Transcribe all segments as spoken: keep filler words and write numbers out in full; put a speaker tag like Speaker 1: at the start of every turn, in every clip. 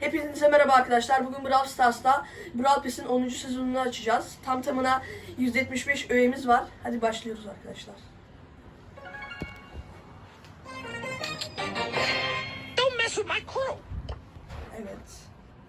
Speaker 1: Hepinize merhaba arkadaşlar. Bugün Brawl Stars'ta Brawl Pass'in onuncu sezonunu açacağız. Tam tamına yüz yetmiş beş öğemiz var. Hadi başlıyoruz arkadaşlar.
Speaker 2: Don't mess with my crew.
Speaker 1: Evet.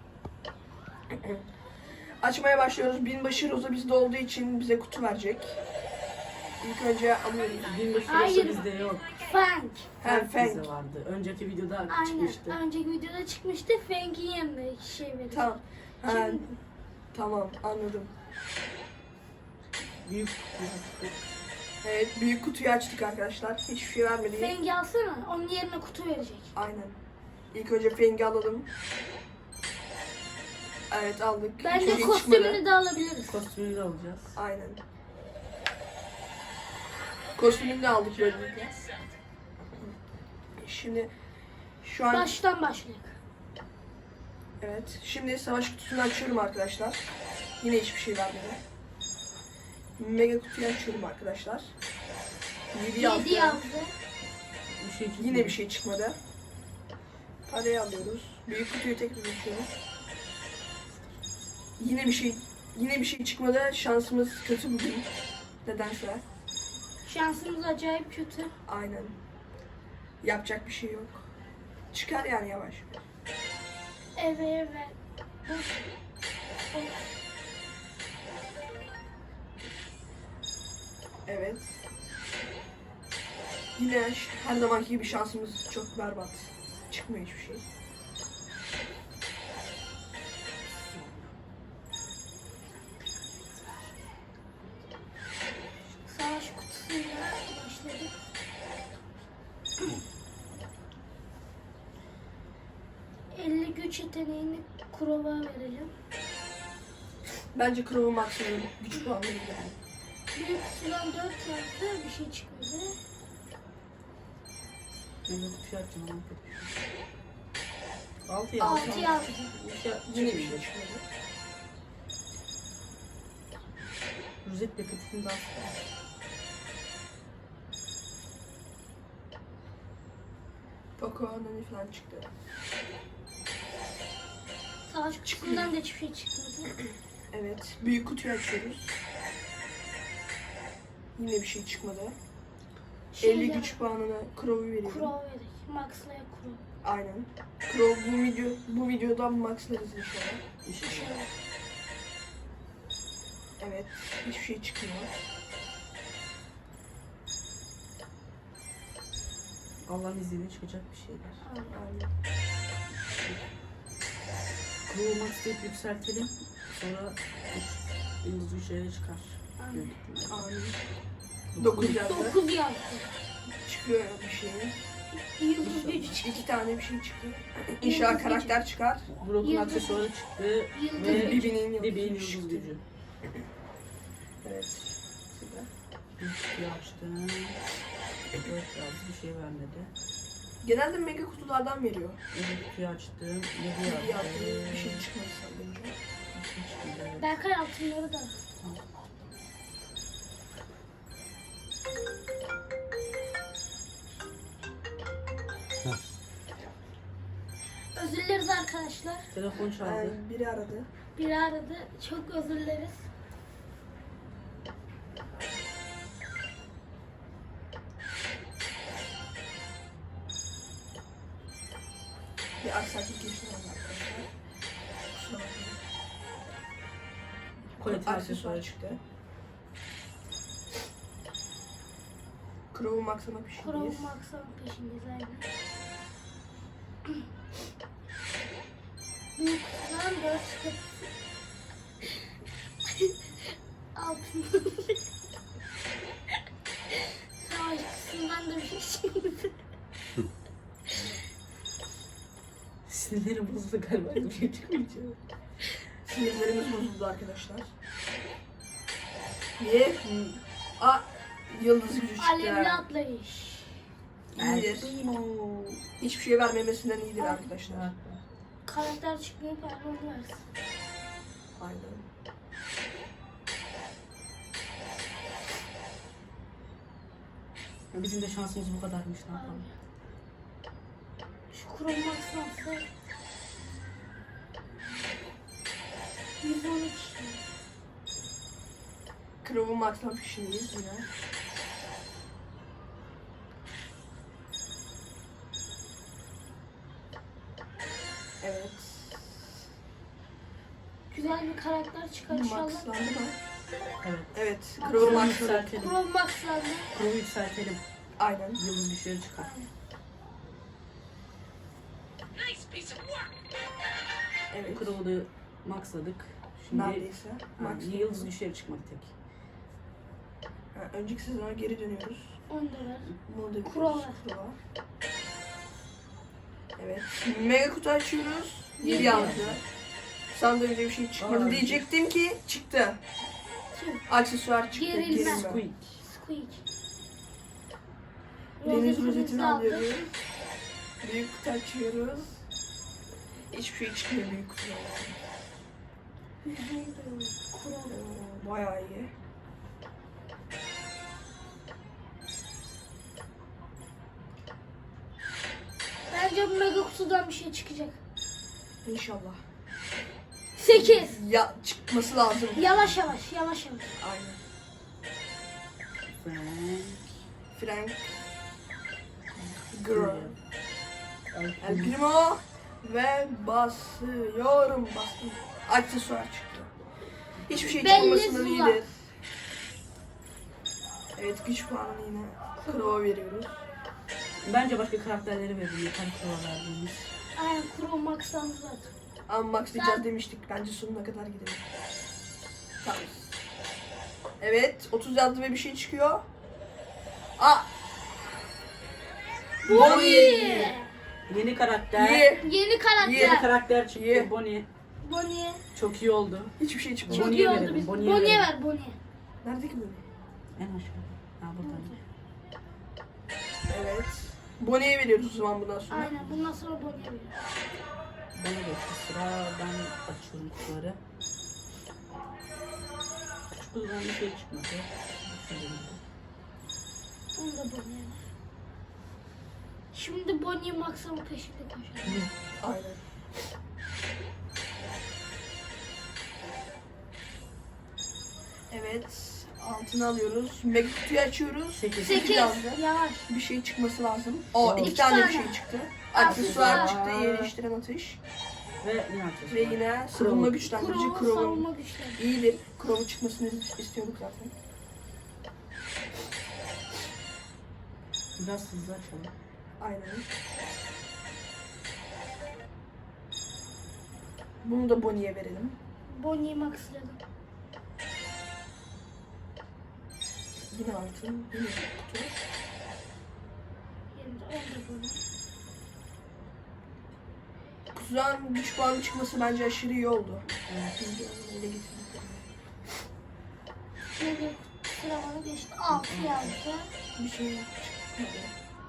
Speaker 1: Açmaya başlıyoruz. Binbaşı Roza bizde olduğu için bize kutu verecek. İlk önce alıyorum.
Speaker 3: Binbaşı
Speaker 4: Hayır.
Speaker 3: bizde yok.
Speaker 4: Frank.
Speaker 1: Ha,
Speaker 3: Frank
Speaker 1: Frank.
Speaker 3: bizde vardı. Önceki videoda
Speaker 4: Aynen.
Speaker 3: çıkmıştı.
Speaker 4: Önceki videoda çıkmıştı. Frank'in yanında şey verir.
Speaker 1: Tamam. Ha,
Speaker 4: Şimdi-
Speaker 1: tamam anladım.
Speaker 3: Büyük
Speaker 1: Evet, büyük kutuyu açtık arkadaşlar. Hiçbir şey vermedi.
Speaker 4: Frank'i alsana. Onun yerine kutu verecek.
Speaker 1: Aynen. İlk önce Feng'i alalım. Evet aldık. Hiçbir
Speaker 4: Bence
Speaker 1: şey
Speaker 4: kostümünü
Speaker 1: çıkmadı.
Speaker 4: de alabiliriz.
Speaker 3: kostümünü de alacağız.
Speaker 1: Aynen. Kostümünü de aldık böylelikle. Şimdi şu an
Speaker 4: Baştan başlayalım.
Speaker 1: evet. Şimdi savaş kutusunu açıyorum arkadaşlar. Yine hiçbir şey vermedi. Mega kutuyu açıyorum arkadaşlar. yedi yazdı.
Speaker 4: yedi yazdı.
Speaker 3: Bir şey çıkmadı.
Speaker 1: Yine bir şey çıkmadı. Parayı alıyoruz. Büyük kutuyu tekrar açıyoruz. Yine bir şey yine bir şey çıkmadı. Şansımız kötü bugün. Nedense.
Speaker 4: Şansımız acayip kötü.
Speaker 1: Aynen. Yapacak bir şey yok. Çıkar yani yavaş.
Speaker 4: Evet evet.
Speaker 1: Evet. Yine ş- her zamanki gibi şansımız çok berbat. Çıkmıyor hiçbir şey.
Speaker 4: Savaş kutusuyla başladık. elli güç yeteneğini Kurova verelim.
Speaker 1: Bence Crow'u maksimum güç puanı yani.
Speaker 4: Büyük kutudan dört yazdı. Bir şey çıkmadı.
Speaker 3: Ben de bir şey açacağım ama kötü bir şey. Altı yazdı.
Speaker 4: altı yazdı.
Speaker 3: Bir şey-
Speaker 1: Yine
Speaker 3: Yine
Speaker 1: bir
Speaker 3: bir
Speaker 1: şey
Speaker 3: şey.
Speaker 1: çıkmadı.
Speaker 3: Rozet paketini de açtım.
Speaker 1: Poco, Nani falan çıktı.
Speaker 4: Savaş kutusundan da hiçbir şey çıkmadı.
Speaker 1: Evet. Büyük kutuyu açıyoruz. Yine bir şey çıkmadı. elli
Speaker 4: Şeyle,
Speaker 1: güç puanına Crow'u veriyorum.
Speaker 4: Kurova verecek. Max'laya Kurova.
Speaker 1: Aynen. Crow bu video bu videodan maxlarız inşallah.
Speaker 3: İnşallah.
Speaker 1: Evet. Hiçbir şey çıkmıyor.
Speaker 3: Allah'ın izniyle çıkacak bir şeyler.
Speaker 1: Aynen.
Speaker 3: Crew Max deyip yükseltelim. Sonra yıldız üçlere çıkar.
Speaker 4: Aynen.
Speaker 3: Büyük ihtimalle.
Speaker 1: Aynen. dokuz yazdı.
Speaker 4: dokuz yazdı.
Speaker 1: Çıkıyor bir şey.
Speaker 4: Yıldız gücü çıktı.
Speaker 1: İki tane bir şey çıktı. İnşallah karakter çıkar.
Speaker 3: Brock'un
Speaker 4: Yıldız-
Speaker 3: aksesuarı çıktı
Speaker 4: Yıldız
Speaker 3: ve
Speaker 4: gücü.
Speaker 1: Bibi'nin yıldız
Speaker 3: Bibi'nin
Speaker 1: gücü
Speaker 3: yıldız
Speaker 1: çıktı.
Speaker 3: gücü.
Speaker 1: Evet. Süper.
Speaker 3: Bir açtım. Dört yazdı, bir şey vermedi.
Speaker 1: Genelde mega kutulardan veriyor.
Speaker 3: Evet, kutuyu açtım.
Speaker 1: Bir
Speaker 3: Yedi yazdı.
Speaker 1: yazdı. Bir şey çıkmadı sanırım.
Speaker 3: Bir şey çıkmadı, evet.
Speaker 4: Berkay altınları da. Özür dileriz arkadaşlar.
Speaker 3: Telefon çaldı.
Speaker 1: Yani biri aradı.
Speaker 4: Biri aradı. Çok özür dileriz.
Speaker 1: Bir aksaklık yaşandı arkadaşlar. Kusura bakmayın.
Speaker 3: Koleti
Speaker 1: Aksesuar
Speaker 3: aksesuarı
Speaker 1: çıktı. Crow'un maksama
Speaker 4: Kurova
Speaker 1: peşindeyiz.
Speaker 4: Max'ın peşindeyiz aynen. Büyük kutudan dört çıktı. Altın. Savaş kutusundan da bir şey çıktı.
Speaker 3: Sinirlerim bozuldu galiba. Bir şey çıkmayacak.
Speaker 1: Sinirlerimiz bozuldu arkadaşlar. Niye? A yıldız gücü çıktı.
Speaker 4: Alevli atlayış.
Speaker 1: İyidir. Hiçbir şey vermemesinden iyidir arkadaşlar.
Speaker 4: Karakter çıkmıyor parmağını versin.
Speaker 1: Aynen.
Speaker 3: Bizim de şansımız bu kadarmış, ne yapalım.
Speaker 4: Şu Kurova Max'ın atlayış. on iki.
Speaker 1: Crow'u Max'tan peşindeyiz yine. Evet.
Speaker 4: Güzel bir karakter çıkar inşallah.
Speaker 1: Max'landı mı?
Speaker 3: Evet.
Speaker 1: Evet. Crow'u
Speaker 3: Crow'u
Speaker 1: Max'landı.
Speaker 3: yükseltelim.
Speaker 4: Pro Max'landı.
Speaker 3: Crow'u yükseltelim.
Speaker 1: Aynen.
Speaker 3: Yıldız güçleri çıkar.
Speaker 2: Nice piece of work.
Speaker 1: Evet.
Speaker 3: Crow'u da maxladık. Şimdi
Speaker 1: Neredeyse.
Speaker 3: ha,
Speaker 1: Max.
Speaker 3: yıldız güçleri çıkmak tek.
Speaker 1: Ha, önceki sezona geri dönüyoruz.
Speaker 4: on da ver.
Speaker 1: Bunu da
Speaker 4: Kurova.
Speaker 1: biliyoruz, Kurova. Evet. Mega kutu açıyoruz. yedi
Speaker 4: Yedi.
Speaker 1: yazdı. Sandığımda bir şey çıkmadı
Speaker 3: Aa,
Speaker 1: diyecektim ki çıktı.
Speaker 4: Kim?
Speaker 1: Aksesuar çıktı.
Speaker 4: Gerilme.
Speaker 1: Gerilme.
Speaker 3: Squeak.
Speaker 4: Squeak.
Speaker 1: Deniz
Speaker 4: Rozetimizi
Speaker 1: rozetini
Speaker 4: aldık.
Speaker 1: alıyoruz. Büyük kutu açıyoruz. Hiçbir şey çıkmıyor büyük kutudan.
Speaker 4: Kuro.
Speaker 1: Oo, bayağı iyi.
Speaker 4: Bence bu mega kutudan bir şey çıkacak.
Speaker 1: İnşallah.
Speaker 4: sekiz.
Speaker 1: Ya çıkması lazım.
Speaker 4: Yavaş yavaş, yavaş yavaş.
Speaker 1: Aynen.
Speaker 3: Frank.
Speaker 1: Frank. Girl. El
Speaker 3: El
Speaker 1: Primo. Ve basıyorum. Bastım. Aksesuar çıktı. Hiçbir şey
Speaker 4: Belli
Speaker 1: çıkmamasından
Speaker 4: Zula.
Speaker 1: iyidir. Evet, güç puanını yine Crow'a veriyoruz.
Speaker 3: Bence başka karakterleri verelim. Yeter Crow'a verdiğimiz.
Speaker 4: Aynen Kuro Max'landı zaten.
Speaker 1: Ama maxlayacağız demiştik. Bence sonuna kadar gidelim. Tamam. Evet, otuz yazdı ve bir şey çıkıyor. Aa!
Speaker 4: Bonnie.
Speaker 3: Yeni karakter.
Speaker 1: İyi.
Speaker 4: Yeni karakter.
Speaker 3: Yeni karakter çıktı.
Speaker 1: İyi.
Speaker 3: Bonnie.
Speaker 4: Bonnie.
Speaker 3: Çok iyi oldu.
Speaker 1: Hiçbir şey çıkmadı.
Speaker 4: Çok
Speaker 3: Bonnie'ye
Speaker 4: iyi oldu
Speaker 3: verelim,
Speaker 4: biz.
Speaker 3: Bonnie'ye
Speaker 4: Bonnie'ye
Speaker 3: verelim.
Speaker 4: ver Bonnie.
Speaker 1: Nerede ki Bonnie?
Speaker 3: En aşağıda. Ha buradaymış.
Speaker 1: Evet. Bonnie'ye veriyoruz o zaman bundan sonra.
Speaker 4: Aynen bundan sonra Bonnie'ye ver.
Speaker 3: Bana geçti sıra. Ben açıyorum kutuları. Küçük kutudan bir şey çıkmadı.
Speaker 4: Onu da Bonnie'ye ver. Şimdi Bonnie Max'ın peşinde koşalım.
Speaker 1: Aynen. Evet. Altını alıyoruz. Mega kutuyu açıyoruz.
Speaker 3: Sekiz.
Speaker 1: Sekiz
Speaker 4: sekiz.
Speaker 1: yazdı.
Speaker 4: Yavaş.
Speaker 1: Bir şey çıkması lazım. O
Speaker 3: Tamam.
Speaker 1: iki
Speaker 4: İki
Speaker 1: tane, bir
Speaker 4: tane.
Speaker 1: şey çıktı.
Speaker 4: Aksesuar.
Speaker 1: Aksesuar çıktı. Yerleştiren atış.
Speaker 3: Ve yine açıyoruz.
Speaker 1: Ve yine savunma güçlendirici
Speaker 4: Kuro
Speaker 1: Crow'un
Speaker 4: savunma güçleri.
Speaker 1: iyidir. Crow'un çıkmasını istiyorduk zaten.
Speaker 3: Biraz hızlı açalım.
Speaker 1: Aynen. Bunu da Bonnie'ye verelim.
Speaker 4: Bonnie Max'ladım.
Speaker 1: Yine altın. Yine kutu.
Speaker 4: Yerinde onu da Bonnie.
Speaker 1: Kutudan güç puanı çıkması bence aşırı iyi oldu.
Speaker 3: Evet.
Speaker 1: Şimdi onu ele getirdik.
Speaker 4: Mega sıramanı geçti. altı yazdı.
Speaker 1: Bir şey çıkmadı.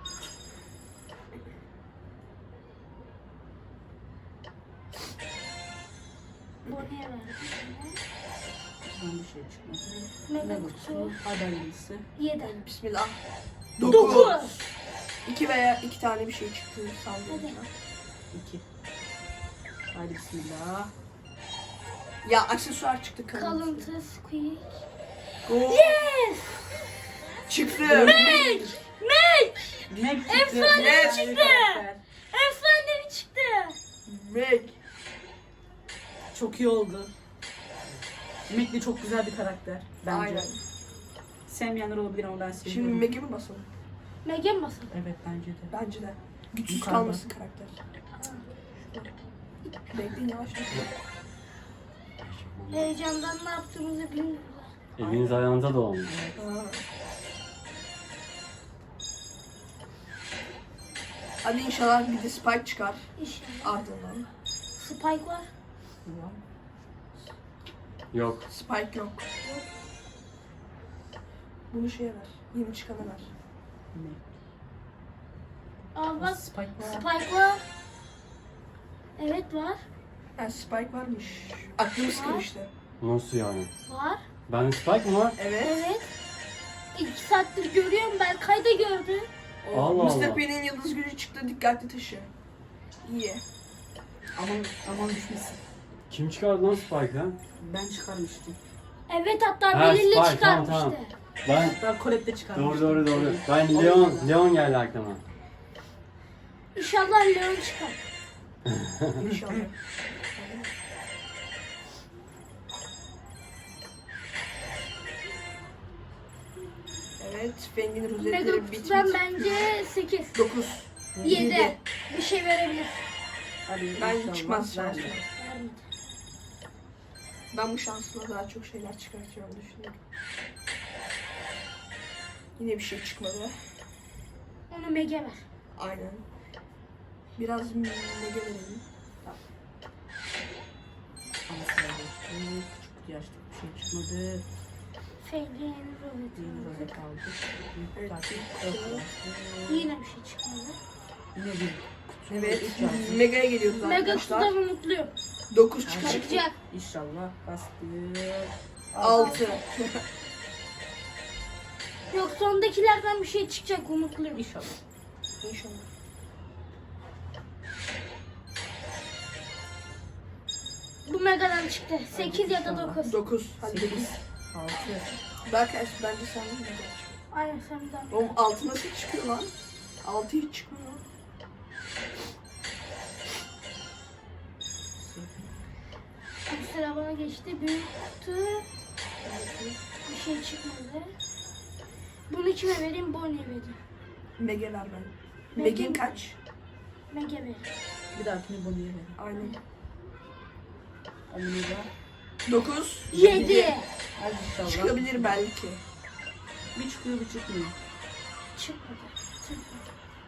Speaker 4: Bonnie'ye verdim.
Speaker 3: Kutudan bir şey çıkmadı.
Speaker 4: Mega
Speaker 3: Mega
Speaker 4: kutu.
Speaker 3: kutu. Haber bilgisi.
Speaker 4: yedi.
Speaker 1: Bismillah.
Speaker 4: dokuz.
Speaker 1: İki veya iki tane bir şey çıktı sandım.
Speaker 3: İki. Haydi bismillah.
Speaker 1: Ya aksesuar çıktı kalıntı.
Speaker 4: Kalıntı, Squeak.
Speaker 1: Go.
Speaker 4: Yes!
Speaker 1: Çıktı.
Speaker 4: Meg! Meg!
Speaker 3: Meg çıktı.
Speaker 4: Efsane
Speaker 3: Meg
Speaker 4: çıktı.
Speaker 3: karakter.
Speaker 4: Efsanevi çıktı.
Speaker 1: Meg.
Speaker 3: Çok iyi oldu. Meg de çok güzel bir karakter. Bence.
Speaker 1: Aynen.
Speaker 3: Sevmeyenler olabilir ama ben seviyorum.
Speaker 1: Şimdi Meg'e mi basalım?
Speaker 4: Meg'e mi basalım?
Speaker 3: Evet bence de.
Speaker 1: Bence de. Güçsüz
Speaker 3: Yukarıda.
Speaker 1: kalmasın karakter. Bekleyin yavaş yavaş.
Speaker 4: Heyecandan ne yaptığımızı bilmiyorlar.
Speaker 5: Eliniz ayağınıza dolanmış.
Speaker 1: Ha. Hadi inşallah bir de Spike çıkar
Speaker 4: İnşallah.
Speaker 1: ardından.
Speaker 4: Spike var.
Speaker 5: Yok.
Speaker 1: Spike yok. Bunu şeye ver. Yeni çıkana ver.
Speaker 3: Meg.
Speaker 4: Aa bak.
Speaker 3: Spike var.
Speaker 4: Spike var. Evet var.
Speaker 1: Ha, Spike varmış. Aklımız
Speaker 4: Var.
Speaker 1: karıştı.
Speaker 5: Nasıl yani?
Speaker 4: Var.
Speaker 5: Ben Spike mı var?
Speaker 1: Evet.
Speaker 4: Evet. İki saattir görüyorum. Berkay da gördü.
Speaker 1: O
Speaker 5: Allah
Speaker 1: mister
Speaker 5: Allah.
Speaker 1: P'nin yıldız gücü çıktı. Dikkatli taşı. İyi.
Speaker 3: Aman, aman düşmesin.
Speaker 5: Kim çıkardı lan Spike'dan?
Speaker 3: Ben çıkarmıştım.
Speaker 4: Evet hatta
Speaker 5: Ha,
Speaker 4: belirle
Speaker 5: Spike,
Speaker 4: çıkarmıştı.
Speaker 5: tamam, tamam. Ben
Speaker 3: Ben Colette'de
Speaker 5: doğru
Speaker 3: çıkarmıştım.
Speaker 5: doğru doğru. Ben
Speaker 3: O
Speaker 5: Leon
Speaker 3: yüzden.
Speaker 5: Leon geldi aklıma.
Speaker 4: İnşallah Leon çıkar.
Speaker 1: İnşallah. Evet, Feng'in
Speaker 4: Mega
Speaker 1: rozetleri
Speaker 4: kutudan
Speaker 1: bitmiş.
Speaker 4: bence sekiz.
Speaker 1: dokuz.
Speaker 4: yedi. Bir şey verebilir.
Speaker 3: Hadi
Speaker 1: Ben
Speaker 3: inşallah
Speaker 1: çıkmaz
Speaker 3: verme.
Speaker 1: şansım.
Speaker 4: Vermedi.
Speaker 1: Ben bu şansla daha çok şeyler çıkartacağımı düşünüyorum. Yine bir şey çıkmadı.
Speaker 4: Onu Mega ver.
Speaker 1: Aynen. Biraz mega verelim.
Speaker 3: Ama sıra geçti. Küçük yaşta bir şey çıkmadı.
Speaker 4: Feng'in
Speaker 3: Yeni
Speaker 4: rozeti.
Speaker 3: rozet aldık.
Speaker 1: Evet.
Speaker 3: Takip yok.
Speaker 4: Yine bir şey çıkmadı.
Speaker 3: Yine bir
Speaker 1: Evet,
Speaker 3: üç yazdı.
Speaker 1: mega'ya geliyoruz
Speaker 4: Mega
Speaker 1: arkadaşlar.
Speaker 4: kutudan umutluyum.
Speaker 1: dokuz çıkar.
Speaker 4: Çıkacak.
Speaker 3: İnşallah bastık.
Speaker 1: altı.
Speaker 4: Yok sondakilerden bir şey çıkacak umutluyum.
Speaker 3: İnşallah.
Speaker 1: İnşallah.
Speaker 4: Bu Mega'dan çıktı. sekiz ya da dokuz.
Speaker 1: dokuz. Hadi
Speaker 3: sekiz.
Speaker 1: dokuz.
Speaker 3: altı.
Speaker 1: Berkay bence sen de mega çık.
Speaker 4: Aynen senden.
Speaker 1: Oğlum altı nasıl çıkıyor lan? altı hiç çıkmıyor.
Speaker 4: Bu sıra bana geçti. Büyük kutu. Bir şey çıkmadı. Bunu kime vereyim? Bonnie'ye vereyim.
Speaker 1: Mega ver ben.
Speaker 4: Mega
Speaker 1: Meg'in
Speaker 4: mi?
Speaker 1: kaç?
Speaker 4: Mega ver.
Speaker 3: Bir dahakine Bonnie'ye verin.
Speaker 1: Aynen.
Speaker 3: Omega.
Speaker 1: dokuz.
Speaker 4: yedi.
Speaker 3: Hadi inşallah.
Speaker 1: Çıkabilir belki.
Speaker 3: Bir çıkıyor bir çıkmıyor.
Speaker 4: Çıkmadı. Çıkmadı.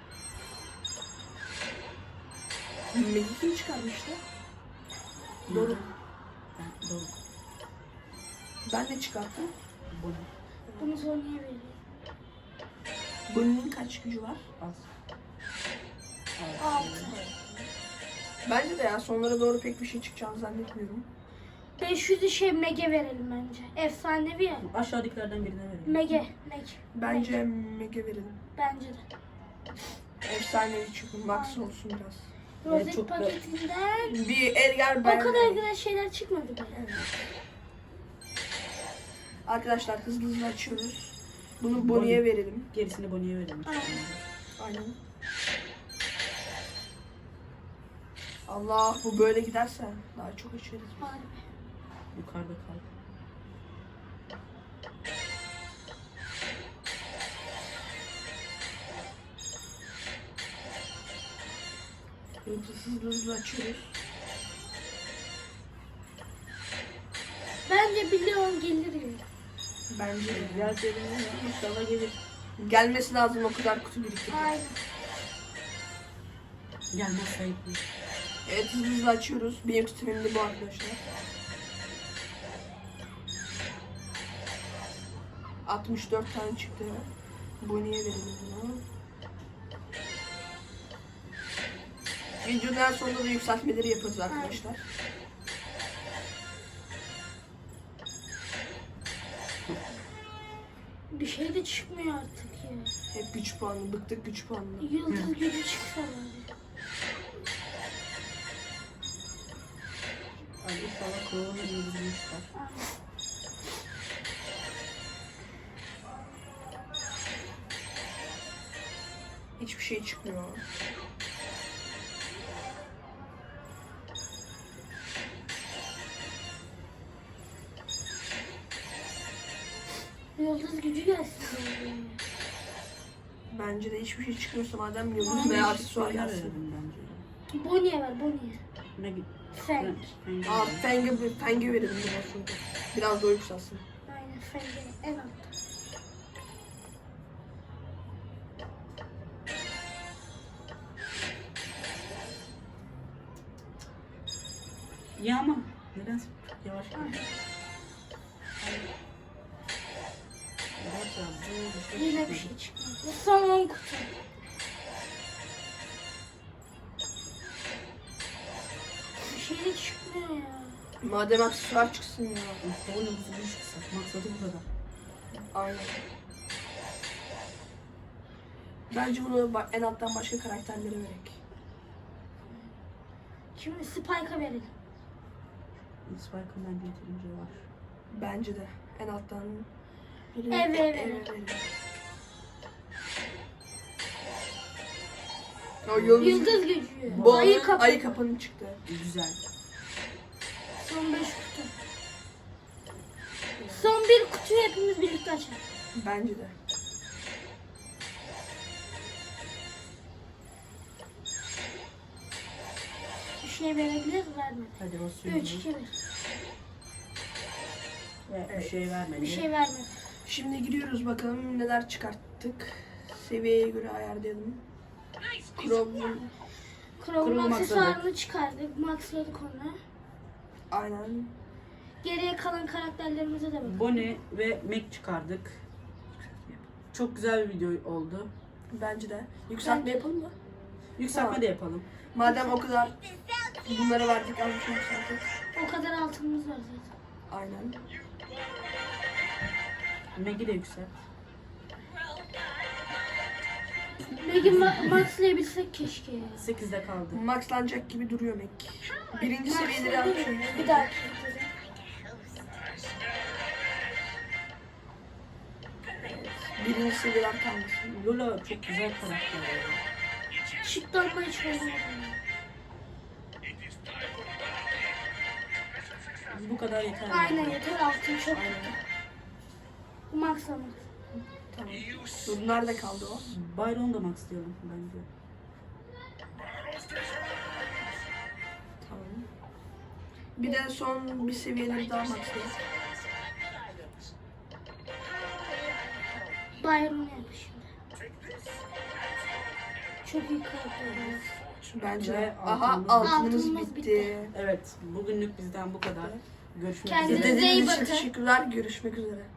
Speaker 1: Meg'i kim çıkarmıştı? Doğru.
Speaker 3: Ben, doğru.
Speaker 1: Ben de çıkarttım.
Speaker 3: Bonnie.
Speaker 4: Bunu Bonnie'ye vereyim.
Speaker 1: Bunun kaç gücü var?
Speaker 3: Az.
Speaker 4: altı.
Speaker 1: Bence de ya sonlara doğru pek bir şey çıkacağını zannetmiyorum.
Speaker 4: beş yüzü şey Mega verelim bence. Efsanevi ya.
Speaker 3: Aşağıdakilerden birine verin.
Speaker 4: Mega. Mega.
Speaker 1: Bence Mega verelim.
Speaker 4: Bence de.
Speaker 1: Efsanevi çünkü max olsun biraz.
Speaker 4: Rozet
Speaker 3: çok da-
Speaker 4: paketinden
Speaker 1: Bir Edgar
Speaker 4: o
Speaker 1: ben.
Speaker 4: kadar güzel şeyler çıkmadı be.
Speaker 1: Arkadaşlar hızlı hızlı açıyoruz. Bunu
Speaker 3: Bonnie.
Speaker 1: Bonnie'ye verelim.
Speaker 3: Gerisini Bonnie'ye verin.
Speaker 4: Aynen.
Speaker 1: Aynen. Allah bu böyle giderse daha çok açarız.
Speaker 4: Harbi.
Speaker 3: Yukarıda kal.
Speaker 1: Evet, hızlı hızlı açıyoruz.
Speaker 4: Bence bir Leon gelir gibi.
Speaker 1: Bence de.
Speaker 3: Gel cebine inşallah gelir.
Speaker 1: Gelmesi lazım o kadar kutu biriktirdik.
Speaker 4: Aynen.
Speaker 3: Gelmez sayıp.
Speaker 1: Evet hızlı hızlı açıyoruz. Benim tutumum da bu arkadaşlar. altmış dört tane çıktı. Bonnie'ye verelim bunu. Videonun sonunda da yükseltmeleri yaparız arkadaşlar.
Speaker 4: Bir şey de çıkmıyor artık ya.
Speaker 1: Hep güç puanı, bıktık güç puanı.
Speaker 4: Yıldız gücü çıksa bari.
Speaker 3: Hadi inşallah Crow'un yıldızını çıkar.
Speaker 4: Aynen.
Speaker 1: Hiçbir şey çıkmıyor.
Speaker 4: Yıldız gücü gelsin. bari.
Speaker 1: Bence de hiçbir şey çıkmıyorsa madem yıldız
Speaker 4: Aynen.
Speaker 1: veya aksesuar
Speaker 3: Bonnie'ye
Speaker 1: gelsin.
Speaker 3: verelim bence.
Speaker 4: Bonnie'ye ver Bonnie'ye.
Speaker 3: Ne git?
Speaker 4: Feng.
Speaker 1: Aa Feng'e Feng'e verelim bundan sonra. Biraz da yükselsin.
Speaker 4: Aynen Feng'e en altta.
Speaker 3: Ya ama neden yavaş gidiyor? Evet ya, bu bir şey
Speaker 4: Yine bir
Speaker 3: çıkmadı.
Speaker 4: şey çıkmadı. Son on kutu. Bir şey de çıkmıyor ya.
Speaker 1: Madem aksesuar çıksın ya.
Speaker 3: Mustafa yıldızını çıksa. Maksadı bu kadar.
Speaker 1: Aynen. Bence bunu ba- en alttan başka karakterlere verek.
Speaker 4: Şimdi Spike'a verelim.
Speaker 3: Spike'ın bence yeterince var.
Speaker 1: Bence de. En alttan.
Speaker 4: Evet, evet.
Speaker 1: evet. O yıldız,
Speaker 4: Yıldız gücü.
Speaker 1: bu
Speaker 4: Ayı
Speaker 1: ayı,
Speaker 4: kapı.
Speaker 1: ayı kapının çıktı.
Speaker 3: Güzel.
Speaker 4: Son beş kutu. Son bir kutuyu hepimiz birlikte açalım.
Speaker 1: Bence de.
Speaker 4: Bir şey verebilir vermedi.
Speaker 3: Hadi basıyorum.
Speaker 4: üç, iki, bir.
Speaker 3: Ve
Speaker 1: Evet.
Speaker 3: bir şey vermedi.
Speaker 4: Bir şey vermedi.
Speaker 1: Şimdi gidiyoruz bakalım neler çıkarttık. Seviyeye göre ayarlayalım.
Speaker 2: Nice piece of work.
Speaker 1: Chrome.
Speaker 4: Chrome'un
Speaker 3: Chrome'u
Speaker 4: aksesuarını çıkardık. Maxladık onu.
Speaker 1: Aynen.
Speaker 4: Geriye kalan karakterlerimize de bakalım.
Speaker 3: Bonnie ve Mac çıkardık. Çok güzel bir video oldu.
Speaker 1: Bence de. Yükseltme
Speaker 4: Bence-
Speaker 1: yapalım mı?
Speaker 3: Yükseltme
Speaker 1: Tamam.
Speaker 3: de yapalım.
Speaker 1: Madem o kadar bunları verdik az bir şey yükselttik.
Speaker 4: O kadar altınımız var zaten.
Speaker 1: Aynen.
Speaker 3: Mac'i de yükselt.
Speaker 4: Meg'i ma- maxlayabilsek keşke.
Speaker 3: sekizde kaldı.
Speaker 1: Maxlanacak gibi duruyor Mac. Birinci seviyeleri almış.
Speaker 4: Maxlayabiliriz. Bir dahaki videoda.
Speaker 1: Birinci seviyeler kalmasın.
Speaker 3: Lola çok güzel karakter. ya.
Speaker 4: Şıklanma hiç oynamadım.
Speaker 3: Bu kadar yeter.
Speaker 4: Aynen yeter altın çok. Maxlama.
Speaker 1: Tamam. Dur nerede kaldı o?
Speaker 3: Byron da max diyorum bence.
Speaker 1: Tamam. Bir de son bir seviyeleri daha maxlayalım.
Speaker 4: Byron'u yap şimdi. Çok iyi karakter.
Speaker 1: Bence.
Speaker 3: Ve
Speaker 1: Aha
Speaker 3: altınımız-
Speaker 1: altınımız
Speaker 4: Altınımız
Speaker 1: bitti.
Speaker 4: bitti.
Speaker 3: Evet, bugünlük bizden bu kadar. Görüşmek
Speaker 4: Kendinize
Speaker 3: üzere.
Speaker 4: iyi
Speaker 1: İzlediğiniz için
Speaker 4: bakın.
Speaker 1: teşekkürler. Görüşmek üzere.